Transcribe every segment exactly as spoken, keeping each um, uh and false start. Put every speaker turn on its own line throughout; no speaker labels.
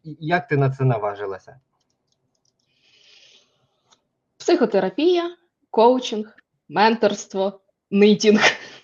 як ти на це наважилася?
Психотерапія, коучинг, менторство, нитінг.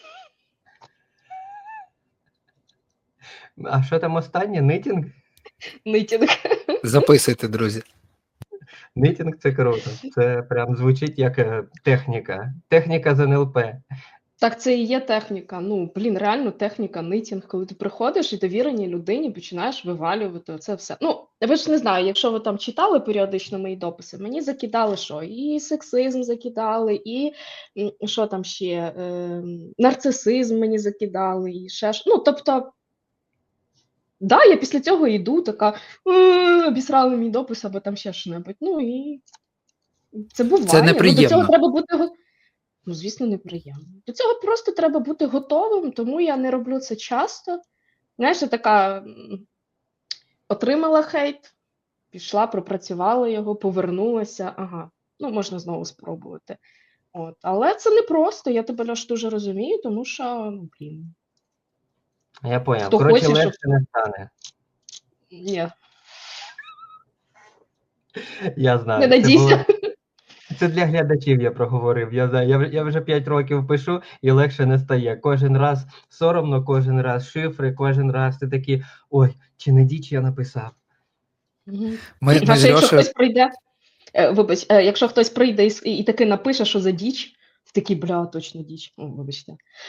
А що там останнє? Нитінг?
Нитінг.
Записуйте, друзі.
Нитінг – це круто. Це прям звучить як е, техніка. Техніка з ен ел пе.
Так, це і є техніка. Ну, блін, реально техніка, нитінг, коли ти приходиш і довіреній людині починаєш вивалювати це все. Ну, ви ж не знаю, якщо ви там читали періодично мої дописи, мені закидали що? І сексизм закидали, і м, що там ще? Е, нарцисизм мені закидали, і ще ж. Ну, тобто, да, я після цього йду, така «Е, обісрали мій допис або там ще що-небудь. Ну і це буває.
Це
Ну, до цього
неприємно.
треба бути го- Ну, звісно, неприємно. До цього просто треба бути готовим, тому я не роблю це часто. Знаєш, я така м, отримала хейт, пішла, пропрацювала його, повернулася. Ага, ну можна знову спробувати. От. Але це не просто, я тебе Льош дуже розумію, тому що, ну, блін,
Я поняв.
Хто
Коротше,
хоче, щоб-
легше не стане.
ні,
Я знаю.
не
Це
надійся.
було- Це для глядачів я проговорив. Я знаю, я, вже- я вже п'ять років пишу і легше не стає. Кожен раз соромно, кожен раз шифри, кожен раз ти такий, ой, чи не діч я написав.
Мгм.
Ми,
А
ми з
ще якщо
Льошею
хтось прийде, е, вибач, е, якщо хтось прийде і, с- і, і таки напише, що за діч, ти такий, бля, точно діч. О, вибачте.